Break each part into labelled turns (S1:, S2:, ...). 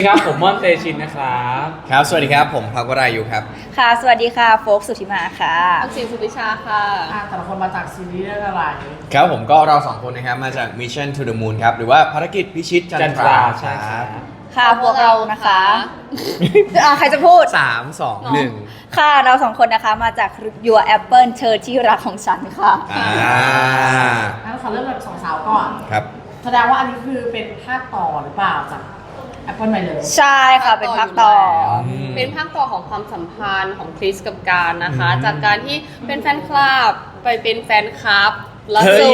S1: ครับผมม่อนเตชินนะครับ
S2: ครับสวัสดีครับผมพักวรายุครับ
S3: ค่ะสวัสดีค่ะโฟกสุธิมาค่ะ
S4: อักษิณสุวิชาค่ะ
S5: แต่ละคนมาจากซีรีส์เรื่องอะไร
S2: ครับผมก็เราสองคนนะครับมาจาก Mission to the Moon ครับหรือว่าภารกิจพิชิตจันทราค
S1: ใช่ค
S2: รั
S1: รั
S2: บบ
S3: ค่ะพวกเรานะคะใครจะพูด
S2: 3 2 1
S3: ค่ะเราสองคนนะคะมาจาก Your Apple เธอที่รักของฉันค่ะ
S5: งั้นขอเริ่มจากสองสาวก่อน
S2: ครับ
S5: แสดงว่าอันนี้คือเป็นภาคต่อหรือเปล่าจาก Apple ไปเลย
S3: ใช่ค่ะเป็นภาคต่อ
S4: เป็นภาคต่อของความสัมพันธ์ของคริสกับการนะคะ จากการที่เป็นแฟนคลับไปเป็นแฟนคลับแล้วสู่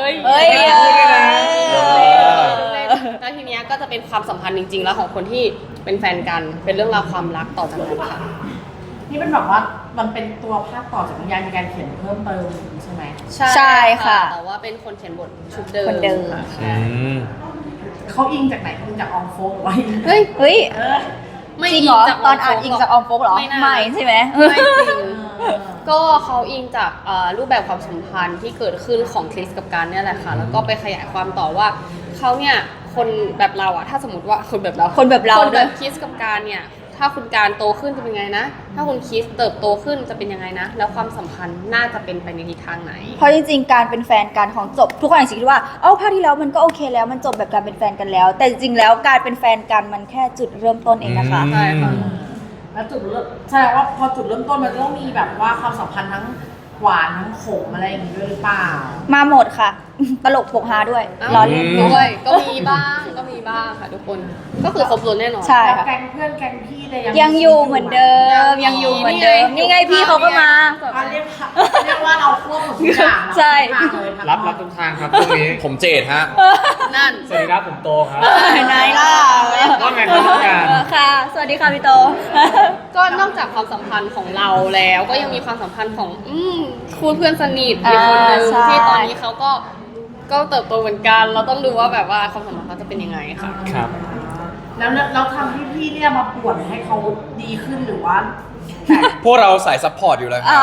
S4: แล้วทีเนี้ยก็จะเป็นความสัมพันธ์จริงๆ แล้วของคนที่เป็นแฟนกันเป็นเรื่องราวความรักต่อจากนั้นค่ะ
S5: นี่เป็นแบบว่ามันเป็นตัวภาคต่อจากนิยายมีการเขียนเพิ่มเติมใช่ไหม
S3: ใช่ค่ะ
S4: แต่ว่าเป็นคนเขียนบทชุดเดิม
S3: คนเดิม
S4: ค่ะ
S2: อืม
S5: เขาอิงจากไหนอิงจากอองโฟกไว้
S4: เฮ้ย
S3: เฮ้ย
S5: เออ
S4: ไม่
S3: จริงเหรอ
S4: จาก
S3: ตอนอ่านอิงจากออมโฟกเหรอ
S4: น่า
S3: ไม่ใช่ไหม
S4: ไม่จริง ก็เขาอิงจากรูปแบบความสัมพันธ์ที่เกิดขึ้นของคริสกับการเนี่ยแหละค่ะ แล้วก็ไปขยายความต่อว่าเขาเนี่ยคนแบบเราอะถ้าสมมติว่าคนแบบเรา
S3: คนแบบเรา
S4: คนแบ
S3: ด้วย
S4: บคริสกับการเนี่ยถ้าคุณการโตขึ้นจะเป็นไงนะ ถ้าคุณคริสเติบโตขึ้นจะเป็นยังไงนะ แล้วความสัมพันธ์น่าจะเป็นไปในทิศทางไหน
S3: เพราะจริงๆการเป็นแฟนกันของจบทุกคนอาจจะคิดว่าเอ้าภาคที่แล้วมันก็โอเคแล้วมันจบแบบการเป็นแฟนกันแล้ว แต่จริงๆแล้วการเป็นแฟนกันมันแค่จุดเริ่มต้นเองนะคะ
S4: ใช่ค่ะ
S5: แล้วจุดเริ่มแสดงว่าพอจุดเริ่มต้นมันจะต้องมีแบบว่าความสัมพันธ์ทั้งหวานทั้งขมอะไรอย่างนี้ด้วยหรือเปล่า
S3: มาหมดค่ะ ตลกปกฮาด้วย
S4: อ้าว
S3: ล้อเล่น
S4: ด้วยก็มีบ้างค่ะทุกคนก็คือครบรถแน่นอน
S3: ใช่
S5: แล้ว
S3: ค่ะ
S5: แก๊งเพื่อนแก๊งพี่เนี่ย
S3: ยังอยู่เหมือนเดิมยังอยู่เหมือนเดิมนี่ไงพี่เขาก็มา
S5: เรียกว่าเราควบหมดทุกอย่าง
S3: ใช่
S1: รับทุกทางครับตรงนี้
S2: ผมเจดฮะ
S4: นั่น
S1: สวัสดีครับผมโตครับ
S3: ไหนล่ะ
S1: ว่าไงครับน้องการ
S3: ค่ะ สวัสดีค่ะพี่โต
S4: ก็นอกจากความสัมพันธ์ของเราแล้วก็ยังมีความสัมพันธ์ของคู่เพื่อนสนิทอีกคนนึง
S3: ใช่
S4: ที่ตอนนี้เขาก็เติบโตเหมือนกัน เราต้องดูว่าแบบว่าความสัมพันธ์เขาจะเป็นยังไงค่ะ
S1: ครับ
S5: แล้วทำให้พี่เนี่ยมาป่วนให้เขาดีขึ้นหรือว่า
S2: พวกเราสายซัพพอร์ตอยู่แล้วค
S3: อ๋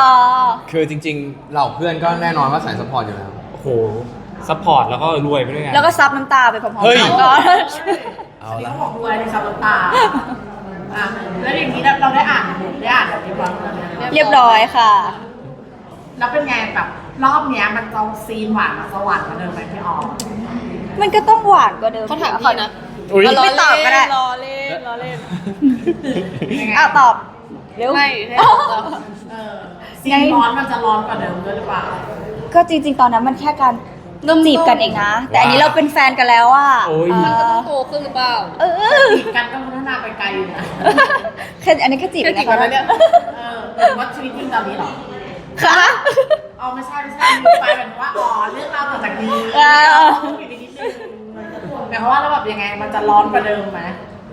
S2: รั
S3: อบ
S2: คือจริงๆเหล่าเพื่อนก็แน่นอนว่าสายซัพพอร์ตอยู่แล้ว
S1: โอ้โห ซัพพอร์ตแล้วก็รวยไปด้วยกัน
S3: แล้วก็ซับน้ำตาไปพร้อม
S2: เฮ้ย
S3: ๆกันก็
S2: เอา
S5: นี่
S2: ละ
S5: เขาบอกด้วยในคำน้ำตาอ่ะแล้วอย่างนี้เราได้อ่านแบบนี้บ้างไหม
S3: เรียบร้อยค่ะ
S5: แล้วเป็นไงแบบรอบเนี้ยมันจะซีนหวานมาสวรรค์มาเดิมไหมพี่ออม
S3: มันก็ต้องหวานกว่าเดิม
S4: เขาถามพี่นะ
S1: อุ๊ย
S3: ไม่ตอบก็ได้
S4: รอเล่น
S5: ยังไง
S3: อ้าวตอบเร็ว
S4: ไม่ให้ตอบ
S5: ซีนร้อนมันจะร้อนกว่าเดิมด้วยหรือเปล่า
S3: ก็จริงๆ ตอนนั้นมันแค่การจีบกันเองนะ แต่อันนี้เราเป็นแฟนกันแล้วอ่ะ
S1: โอ้ย
S4: มันก็ต้องโตขึ้นหรือเปล่า
S3: เออ
S5: จีบกันก็พัฒนาไปไกลอยู่นะ
S3: แค่อันนี้แค่จีบ
S4: แค่
S3: เอง
S4: จีบ
S3: นะ
S4: กัน
S3: คะ
S4: แล้วเนี่ย
S5: หรือว่าชีวิตจริงตอนนี้เหรอ
S3: ค่ะ
S5: อ๋อไม่ใช่ไปเหมือนว่าอ๋อเรื่องราวต่อจากนี้
S3: เออ
S5: เราต้องปิดไปนิดนึงหมายความว่าแล้วแบบยังไงมันจะร้อนกว่าเดิมไหม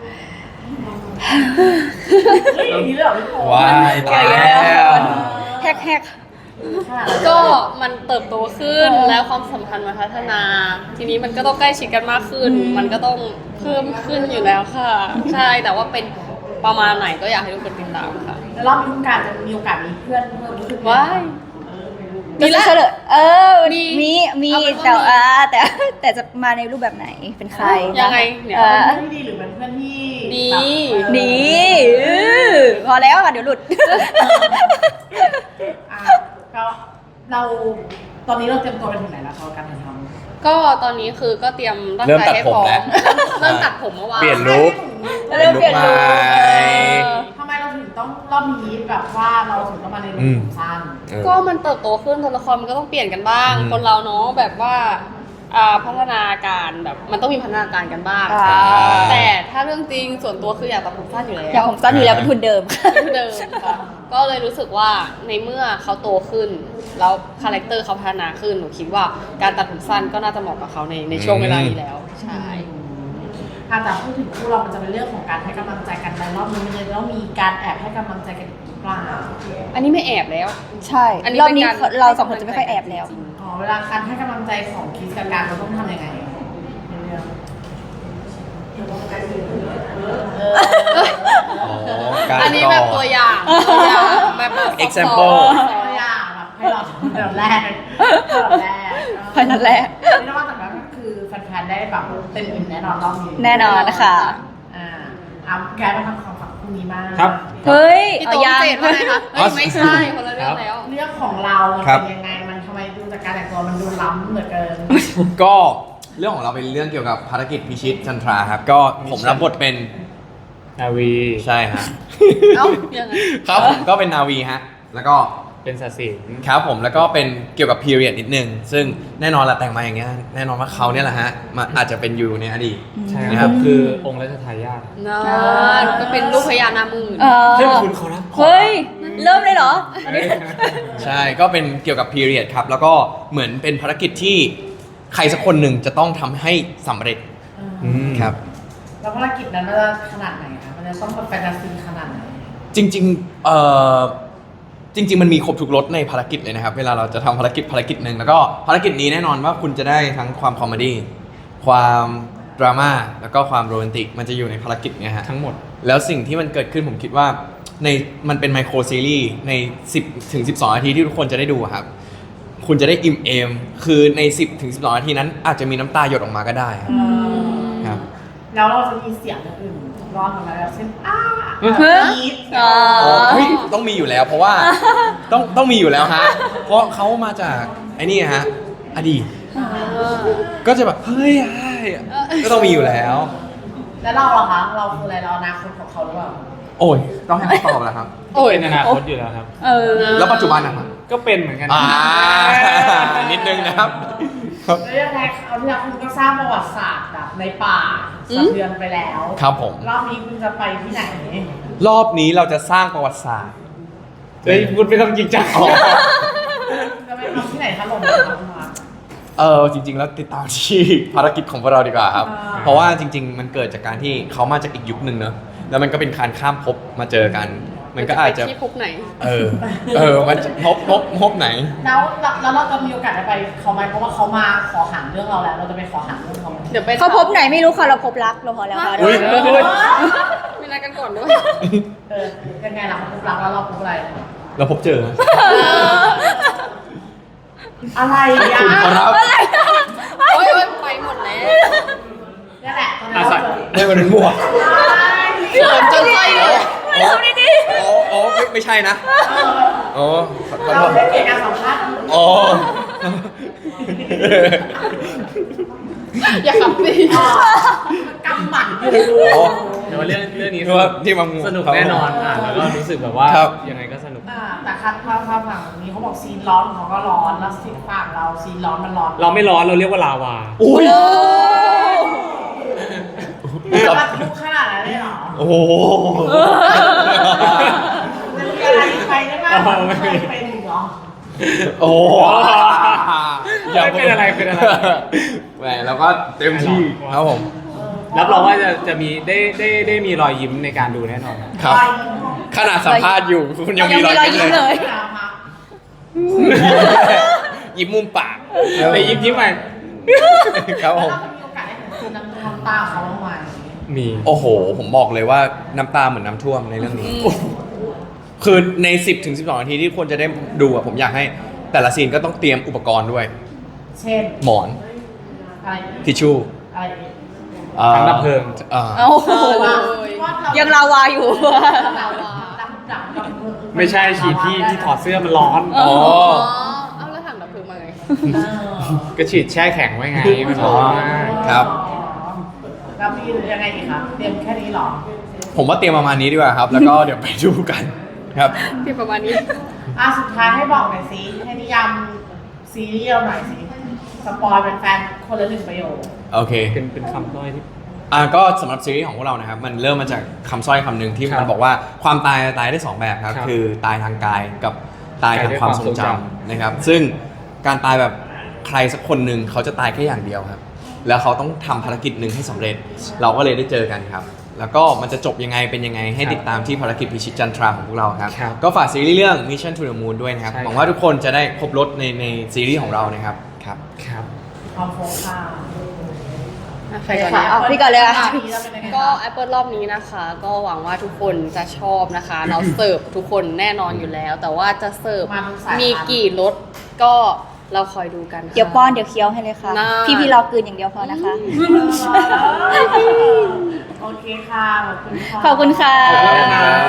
S5: เฮ้ยอย่างนี้เลยเหรอพี่โป๊
S2: ว้ายตายแล้ว
S3: แฮก
S4: ก็มันเติบโตขึ้นแล้วความสัมพันธ์มันพัฒนา ทีนี้มันก็ต้องใกล้ชิดกันมากขึ้น มันก็ต้องเพิ่มขึ้นอยู่แล้วค่ะ ใช่แต่ว่าเป็นประมาณไหนก็อยากให้ทุกคนติดตามค่ะ
S5: แล้วรอบนี้คุณการจะมีโอกาสมีเพื่อนเพิ่มขึ้นไหม
S4: ว้าย
S3: ๆ
S4: มี
S3: มี
S4: ละ
S3: เฉลย
S4: มี
S3: มี
S4: เอาเป็นว่า
S3: แต่
S4: มี
S3: แต่จะมาในรูปแบบไหนเป็นใคร
S4: ยังไงเนี่ย
S5: เป็นเพื่อนที่ดีหรือเป็นเพื่อนที่
S4: ดี
S5: แบบ
S3: ดีพอแล้วค่ะเดี๋ยวหลุด
S5: อ่ะก็เราตอนนี้เราเตรียมตัวไปถึงไหนแล้วคะการถ่ายทำ
S4: ก็ตอนนี้คือก็เตรียมร่างกายให้พร้อมเริ่มตัดผมเมื่อวาน
S2: เปลี่ยนลุค
S3: เริ่มเปลี่ยนลุค
S5: ทำไมเราถึงต้องรอบนี้แบบว่าเราถึงต้องมาในรูปผมสั้น
S4: ก็มันเติบโตขึ้นตัวละครมันก็ต้องเปลี่ยนกันบ้าง
S2: อืม
S4: คนเราเนาะแบบว่าพัฒนาการแบบมันต้องมีพัฒนาการกันบ้าง
S3: อ่า
S4: แต่ถ้าเรื่องจริงส่วนตัวคืออยากตัดผมสั้นอยู่แล้ว
S3: อย่างผมสั้นอยู่แล้วเป็นทุนเดิม
S4: เป็นเดิมค่ะก็เลยรู้สึกว่าในเมื่อเขาโตขึ้น แล้วคาแรคเตอร์เขาพัฒนาขึ้นหนูคิดว่าการตัดผมสั้นก็น่าจะเหมาะกับเขาในช่วงเวลานี้แล้วใช่
S5: แต่พูดถึงคู่เรามันจะเป็นเรื่องของการให้กำลังใจกันในรอบนี้มันจะต้องมีการแอบให้กำลังใจกันอีกหรือเปล่า
S4: อันนี้ไม่แอบแล้ว
S3: ใช่
S4: อันนี้
S3: รอบ
S4: เป็น
S3: นี้
S4: การ
S3: เราสองคนจะไม่ค่อยแอบแล้ว
S5: อ๋อเวลาการให้กำลังใจของคิสกับการเราต้องทำยังไงในเรื่อง
S2: อ๋อการ
S4: อันนี้แบบตัวอย่างแบบ
S2: example
S5: ตัวอย่างแบบให้เราทำแบบแรก
S3: พนันแรก
S5: ไม่ได้ว่าแต่ว่าก็คือแฟนๆได้แบบเต็มอิ่มแน่นอนรอบนี้
S3: แน่นอนนะคะ
S5: อ่าแกมาทำความฝันพรุ่งนี้บ้าง
S1: ครับ
S3: เฮ้ย
S4: พี่
S3: เอา
S4: โต
S3: ยัง
S4: เจดว่าไงคะเฮ้ยไม่ใช่คนละเรื่องแล้ว
S5: เรื่องของเรามัน
S2: ครับ
S5: เป็นยังไงมันทำไมดูจากการแต่งตัวมันดูล้ำเหลือเกิน
S2: ก็เรื่องของเราเป็นเรื่องเกี่ยวกับภารกิจพิชิตจันทราครับ ก็ผมรับบทเป็น
S1: นาวี
S2: ใช่ฮะ
S4: เอ้ายังไง
S2: ครับผมก็เป็นนาวีฮะ แล้วก็
S1: เป็นศาสิน
S2: ครับผมแล้วก็เป็นเกี่ยวกับพีเรียดนิดนึง ซึ่งแน่นอนละแต่งมาอย่างเงี้ยแน่นอนว่าเขาเนี่ยแหละฮะมาอาจจะเป็นอยู่ในอดีต
S1: ใช่
S2: นะ
S1: ค
S2: ครั
S1: รับ บคือองค์รัชทายาท
S4: นั่นก็เป็นลูกพญานาคหมื่น
S3: เออ
S1: เฮ้ยคุณเขานะ
S3: เฮ้ย เริ่มเลยเหรอ
S2: ใช่ก็เป็นเกี่ยวกับพีเรียดครับ แล้วก็เหมือนเป็นภารกิจที่ใครสักคนหนึ่งจะต้องทำให้สำเร็จ
S1: อืม
S2: ครับ
S5: แล้วภารกิจนั้นมันจะขนาดไหนคะมันจะต้องแบบแฟนตาซีขนาดไหน
S2: จริงจริง ๆ มันมีครบทุกรสในภารกิจเลยนะครับ เวลาเราจะทำภารกิจหนึ่งแล้วก็ภารกิจนี้แน่นอนว่าคุณจะได้ทั้งความคอมเมดี้ความดราม่าแล้วก็ความโรแมนติกมันจะอยู่ในภารกิจเนี้ยฮะ
S1: ทั้งหมด
S2: แล้วสิ่งที่มันเกิดขึ้นผมคิดว่ามันเป็นไมโครซีรีส์ใน 10 ถึง 12 นาทีที่ทุกคนจะได้ดูอะครับ คุณจะได้อิ่มเอม คือใน 10 ถึง 12 นาทีนั้นอาจจะมีน้ำตาหยดออกมาก็ได้ครับครับ
S5: แล้วเราจะมีเสียงอื่นร้อนออกมาแบบเช่น
S3: เฮ้ย
S5: ยีด
S3: อ๋อ
S2: เฮ้ยต้องมีอยู่แล้วเพราะว่าต้องมีอยู่แล้วฮะ เพราะเขามาจากไอ้นี่ฮะอดีตก็จะแบบเฮ้ยก็ต้องมีอยู่แล้ว
S5: แล้วเราอะคะเราคืออะไรเราอนาคตของเขาหรือเปล่า
S2: โอ้ยต้องให้เขาตอบแล้วครับ
S4: โอ้ย
S1: เป็นอนาคตอยู่แล้วครับ
S3: เออ
S2: แล้วปัจจุบันนะครับ
S1: ก็เป็นเหมือนกัน
S2: นิดนึงนะครับ
S5: แล้วยังไงเอาที่แล้วคุณก็สร้างประวัติศาสตร์แบบในป่าสะเทือนไปแล้ว
S2: ครับผม
S5: รอบนี้คุณจะไปที่ไหน
S2: รอบนี้เราจะสร้างประวัติศาสตร์
S1: เฮ้ยคุณไม่ต้องจริงจัง
S5: จะไปทำที่ไหนถล่มกันมา
S2: จริง ๆ แล้วติดตามที่ ภารกิจของพวกเราดีกว่าครับ
S5: อ่า
S2: เพราะว่าจริง ๆ มันเกิดจากการที่เขามาจากอีกยุคหนึ่งเนอะแล้วมันก็เป็นการข้ามภพมาเจอกัน มันก็อาจจะ
S4: ไปที่ภพไหน
S2: มันจะภพไหน
S5: แล้วเราจะมีโอกาสได้ไปเขาไหมเพราะว่าเขามาขอหันเรื่องเราแล้ว เราจะไปขอหันเรื่องเขาไหม
S4: เดี๋ยวไป
S3: เขาพบไหนไม่รู้ค่ะ เราพบรักเราพอแล้วค่ะ
S2: อุ๊ย
S4: มีนัดกันก่อนด้วย
S5: ยังไงล่ะเขาพูดรักแล้วเราพูดอะไร
S2: เราพบเจอ
S5: อะไรอ่ะ
S2: คุณขอรับ
S4: โอ้ยไปหมดแล้ว
S5: นี่แหละตอนนี้
S1: อ่ะ
S5: เรา
S1: ใส่
S5: เจอ
S2: ไม่มันเป็นบวก
S4: เขินจนไส้เลย
S2: อ๋อไม่ใช่นะอ๋อขอโท
S5: เรา
S2: ษ
S5: ได้เกียรติการสัมภาษณ์
S2: อ๋อ
S4: อย่าขับสิ
S5: กำหมัดอยู่
S2: อ๋อ
S1: แต่ว่าเรื่องนี้
S2: เพราะว่าที่มา
S1: สนุกแน่นอนแล้วก็รู้สึกแบบว่า
S2: ครับ
S1: ยังไงก็สนุก
S5: แต่คัดความฝั่งนี้เขาบอกซีนร้อนของเขาก็ร้อนแล้วซีนฝั่งเราซีนร้อนมันร้อน
S1: เราไม่ร้อนเราเรียกว่าลาวา
S2: อุ้ย
S5: มันทุกขนาดนั้นเลยเหรอ
S2: โอ้โห
S5: มันมีอะไรไปได้บ้างไม่เคยเป็นเหรอ
S2: โอ้โห
S1: ไม่เป็นอะไรเป็นอะไร
S2: แหมแล้วก็เต็มที่ครับผม
S1: รับรองว่าจะมีได้มีรอยยิ้มในการดูแน่นอน
S2: ครับ ขนาดสัมภาษณ์อยู่คุณยังมีรอยยิ้มเลย ยิ้มมุมปาก
S1: แต่ยิ้มใหม่
S2: ครับผม
S5: แล้วเรามีโอกาสได้เห็นคือน้ำตาเขาบ้างไหม
S1: มี
S2: โอ้โห ผมบอกเลยว่าน้ำตาเหมือนน้ำท่วมในเรื่องนี้ คือใน 10 ถึง 12 นาทีที่ควรจะได้ดูอะผมอยากให้แต่ละซีนก็ต้องเตรียมอุปกรณ์ด้วย
S5: เช่น
S2: หมอน
S5: อะไรอีก
S2: ทิชชู่
S5: อะไรอีก
S1: ถังดับเพลิง
S3: โอ้โห
S5: ว่าเรา
S3: ยังลาวาอยู่
S5: ดับ
S1: ไม่ใช่ฉีดที่ถอดเสื้อมันร้อน
S2: อ๋อ
S4: เอาแล้วถังดับเพลิงมาไง
S1: ก็ฉีดแช่แข็งไว้ไงมันร้อนมาก
S2: ครับ
S5: แล้วมียังไงอีกคะเตรียมแค่นี้หรอ
S2: ผมว่าเตรียมประมาณนี้ดีกว่าครับ แล้วก็เดี๋ยวไปดูกันครับ
S4: ที่ประมาณนี้
S5: สุดท้ายให้บอกหน่อยสิให้นิยามซีรีส์เราหน่อยสิสปอยเป็นแฟนคนละหนึ่งประโยค
S2: โอเค
S1: เป็นคำด้อยที่
S2: ก็สำหรับซีรีส์ของพวกเรานะครับ มันเริ่มมาจากคำสร้อยคำหนึ่งที่
S1: ครับ
S2: มันบอกว่าความตายได้สองแบบครับ
S1: ครับ
S2: คือตายทางกายกับตายทางความทรงจำนะครับ ซึ่งการตายแบบใครสักคนหนึ่งเขาจะตายแค่อย่างเดียวครับ แล้วเขาต้องทำภารกิจหนึ่งให้สำเร็จ เราก็เลยได้เจอกันครับ แล้วก็มันจะจบยังไงเป็นยังไงให้ติดตามที่ภารกิจพิชิตจันทราของพวกเราครับ
S1: ครับ
S2: ก็ฝากซีรีส์เรื่อง Mission to the Moon ด้วยนะครับ
S1: ใช่ครับ
S2: หวังว่าทุกคนจะได้ครบรถในซีรีส์ของเรานะครับครับ
S1: ครับ
S5: ความโฟกัส
S4: ใครก่อน
S3: ค่ะ
S4: เนี่ย
S3: เอาพี่ก่อนเลยอะ
S4: ก็ Apple รอบนี้นะคะ ก็หวังว่าทุกคนจะชอบนะคะ เราเสิร์ฟทุกคนแน่นอนอยู่แล้ว แต่ว่าจะเสิร์ฟ
S5: มาทุกสายพันธุ์
S4: มีกี่รสก็เราคอยดูกันค่ะ
S3: เดี๋ยวป้อนเดี๋ยวเคี้ยวให้เลยค่ะ
S4: น่า
S3: พี่รอกลืนอย่างเดียวพอนะคะ
S5: โอเคค่ะ ขอบคุณค่ะ
S3: ขอบคุณค่ะ
S1: ขอบคุณนะครับ